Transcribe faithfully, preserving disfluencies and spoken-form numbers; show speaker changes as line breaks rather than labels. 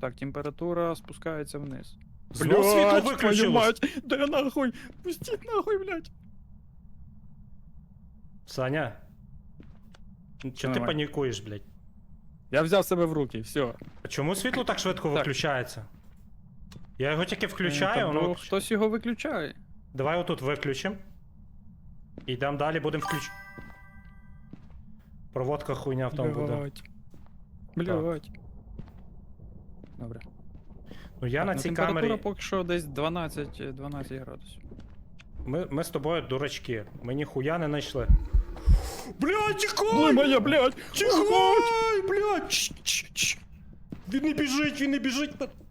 Так, температура спускається вниз.
Знов світло виключилось.
мать! Да нахуй! Пустіть нахуй, блядь!
Саня. Чого ти
Нормально.
панікуєш, блядь?
Я взяв себе в руки, все.
А чому світло так швидко виключається? Я його тільки включаю,
ну,
воно...
хтось його виключає.
Давай отут виключимо. І йдемо далі, будемо включ... Проводка хуйня в тому буде.
Блядь. Блядь. Добре.
Ну я
Так,
на
ну,
цій
температура
камері...
поки що десь дванадцять дванадцять градусів.
Ми, ми з тобою дурачки. Ми ніхуя не знайшли. Блядь, тікай!
Ой, моя, блядь!
Тікай, блядь! Ч -ч -ч. Він не біжить, він не біжить.